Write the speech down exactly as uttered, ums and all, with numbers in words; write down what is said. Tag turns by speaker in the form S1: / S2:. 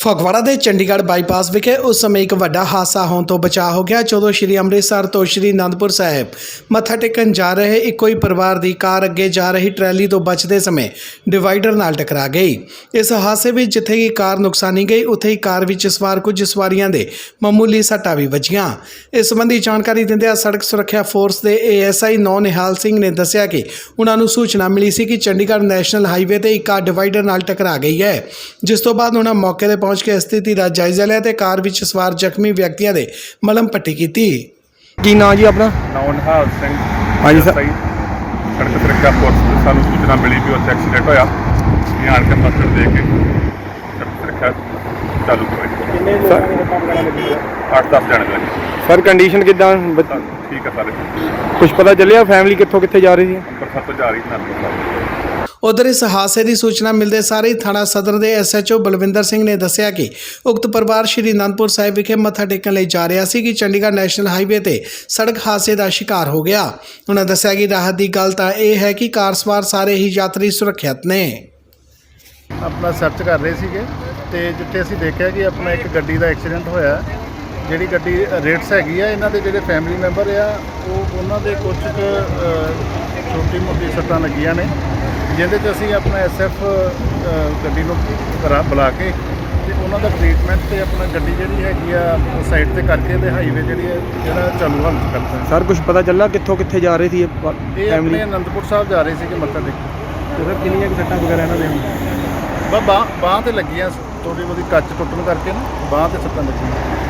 S1: ਫਗਵਾੜਾ ਦੇ ਚੰਡੀਗੜ੍ਹ ਬਾਈਪਾਸ ਵਿਖੇ ਉਸ ਸਮੇਂ ਇੱਕ ਵੱਡਾ ਹਾਦਸਾ ਹੋਣ ਤੋਂ ਬਚਾ ਹੋ ਗਿਆ ਜਦੋਂ ਸ਼੍ਰੀ ਅੰਮ੍ਰਿਤਸਰ ਤੋਂ ਸ਼੍ਰੀ ਅਨੰਦਪੁਰ ਸਾਹਿਬ ਮੱਥਾ ਟੇਕਣ ਜਾ ਰਹੇ ਇੱਕੋ ਹੀ ਪਰਿਵਾਰ ਦੀ ਕਾਰ ਅੱਗੇ ਜਾ ਰਹੀ ਟਰੈਲੀ ਤੋਂ ਬਚਦੇ ਸਮੇਂ ਡਿਵਾਈਡਰ ਨਾਲ ਟਕਰਾ ਗਈ। ਇਸ ਹਾਦਸੇ ਵਿੱਚ ਜਿੱਥੇ ਕਿ ਕਾਰ ਨੁਕਸਾਨੀ ਗਈ ਉੱਥੇ ਹੀ ਕਾਰ ਵਿੱਚ ਸਵਾਰ ਕੁਝ ਸਵਾਰੀਆਂ ਦੇ ਮਾਮੂਲੀ ਸੱਟਾਂ ਵੀ ਵੱਜੀਆਂ। ਇਸ ਸੰਬੰਧੀ ਜਾਣਕਾਰੀ ਦਿੰਦਿਆਂ ਸੜਕ ਸੁਰੱਖਿਆ ਫੋਰਸ ਦੇ ਏ ਐਸ ਆਈ ਨੌ ਨਿਹਾਲ ਸਿੰਘ ਨੇ ਦੱਸਿਆ ਕਿ ਉਹਨਾਂ ਨੂੰ ਸੂਚਨਾ ਮਿਲੀ ਸੀ ਕਿ ਚੰਡੀਗੜ੍ਹ ਨੈਸ਼ਨਲ ਹਾਈਵੇ ਤੇ ਇੱਕ ਕਾਰ ਡਿਵਾਈਡਰ ਨਾਲ ਟਕਰਾ ਗਈ ਹੈ, ਜਿਸ ਤੋਂ ਬਾਅਦ ਉਹਨਾਂ ਮੌਕੇ ਤੇ ਪਹੁੰਚ ਕੇ ਸਥਿਤੀ ਦਾ ਜਾਇਜ਼ਾ ਲਿਆ ਤੇ ਕਾਰ ਵਿੱਚ ਸਵਾਰ ਜ਼ਖਮੀ ਵਿਅਕਤੀਆਂ ਦੇ ਮਲਮ ਪੱਟੀ ਕੀਤੀ।
S2: ਕੀ ਨਾਂ ਜੀ ਆਪਣਾ?
S3: ਨੌ ਨਿਹਾਲ ਸਿੰਘ।
S2: ਹਾਂਜੀ ਸਰ।
S3: ਸੜਕ ਸੁਰੱਖਿਆ ਫੋਰਸ ਤੋਂ ਸਾਨੂੰ ਸੂਚਨਾ ਮਿਲੀ ਵੀ ਉੱਥੇ ਐਕਸੀਡੈਂਟ ਹੋਇਆ। ਅਸੀਂ ਆਣ ਕੇ ਮਸਲ ਦੇ ਕੇ ਸੜਕ ਸੁਰੱਖਿਆ ਚਾਲੂ ਕਰਵਾਈ।
S2: ਕਿੰਨੇ ਲੋਕਾਂ ਦੇ ਕੰਮ ਕਰਨ ਲੱਗੇ?
S3: ਅੱਠ ਦਸ ਜਣੇ ਲੱਗੇ।
S2: ਸਰ ਕੰਡੀਸ਼ਨ ਕਿੱਦਾਂ?
S3: ਠੀਕ ਹੈ ਸਾਰੇ।
S2: ਕੁਝ ਪਤਾ ਚੱਲਿਆ ਫੈਮਿਲੀ ਕਿੱਥੋਂ ਕਿੱਥੇ ਜਾ ਰਹੀ ਸੀ?
S3: ਅੰਮ੍ਰਿਤਸਰ ਤੋਂ ਜਾ ਰਹੀ ਸੀ ਅਨੰਦਪੁਰ ਸਾਹਿਬ।
S1: ਉਧਰ ਇਸ ਹਾਦਸੇ ਦੀ ਸੂਚਨਾ ਮਿਲਦੇ ਸਾਰੇ ਹੀ ਥਾਣਾ ਸਦਰ ਦੇ S H O Balwinder Singh ਨੇ ਦੱਸਿਆ ਕਿ ਉਕਤ ਪਰਿਵਾਰ ਸ਼੍ਰੀ ਅਨੰਦਪੁਰ ਸਾਹਿਬ ਵਿਖੇ ਮੱਥਾ ਟੇਕਣ ਲਈ ਜਾ ਰਿਹਾ ਸੀ ਕਿ ਚੰਡੀਗੜ੍ਹ ਨੈਸ਼ਨਲ ਹਾਈਵੇ ਤੇ ਸੜਕ ਹਾਦਸੇ ਦਾ ਸ਼ਿਕਾਰ ਹੋ ਗਿਆ। ਉਹਨਾਂ ਦੱਸਿਆ ਕਿ ਰਾਹਤ ਦੀ ਗੱਲ ਤਾਂ ਇਹ ਹੈ ਕਿ ਕਾਰ ਸਵਾਰ ਸਾਰੇ ਹੀ ਯਾਤਰੀ ਸੁਰੱਖਿਅਤ ਨੇ।
S4: ਆਪਣਾ ਸਰਚ ਕਰ ਰਹੇ ਸੀਗੇ ਤੇ ਜਿੱਥੇ ਅਸੀਂ ਦੇਖਿਆ ਕਿ ਆਪਣਾ ਇੱਕ ਗੱਡੀ ਦਾ ਐਕਸੀਡੈਂਟ ਹੋਇਆ, ਜਿਹੜੀ ਗੱਡੀ ਰੇਟਸ ਹੈਗੀ ਆ, ਇਹਨਾਂ ਦੇ ਜਿਹੜੇ ਫੈਮਿਲੀ ਮੈਂਬਰ ਆ ਉਹ ਉਹਨਾਂ ਦੇ ਕੁਝ ਛੋਟੀ ਮੋਟੀ ਸੱਟਾਂ ਲੱਗੀਆਂ ਨੇ, ਜਿਹਦੇ 'ਚ ਅਸੀਂ ਆਪਣਾ ਐਸ ਐਫ ਗੱਡੀ ਨੂੰ ਕਰਾ ਬੁਲਾ ਕੇ ਤੇ ਉਹਨਾਂ ਦਾ ਟ੍ਰੀਟਮੈਂਟ ਤੇ ਆਪਣਾ ਗੱਡੀ ਜਿਹੜੀ ਹੈਗੀ ਆ ਸਾਈਡ ਤੇ ਕਰਕੇ ਤੇ ਹਾਈਵੇ ਜਿਹੜੀ ਹੈ ਜਿਹੜਾ ਚਾਲੂ ਹਾਲਤ ਕਰਤਾ।
S2: ਸਰ ਕੁਝ ਪਤਾ ਚੱਲਾ ਕਿੱਥੋਂ ਕਿੱਥੇ ਜਾ ਰਹੀ ਸੀ ਇਹ
S4: ਇਹ
S2: ਫੈਮਿਲੀ?
S4: ਆਪਣੇ ਅਨੰਦਪੁਰ ਸਾਹਿਬ ਜਾ ਰਹੇ ਸੀਗੇ ਮੱਥਾ ਟੇਕਣ।
S2: ਸਰ ਕਿੰਨੀਆਂ ਕੁ ਸੱਟਾਂ ਵਗੈਰਾ ਇਹਨਾਂ ਦੇ ਹੁਣ?
S4: ਬਸ ਬਾਂਹ ਬਾਂਹ ਤੇ ਲੱਗੀਆਂ, ਥੋੜ੍ਹੀ ਬਹੁਤੀ ਕੱਚ ਟੁੱਟਣ ਕਰਕੇ ਨਾ ਬਾਂਹ ਤੇ ਸੱਟਾਂ ਲੱਗੀਆਂ।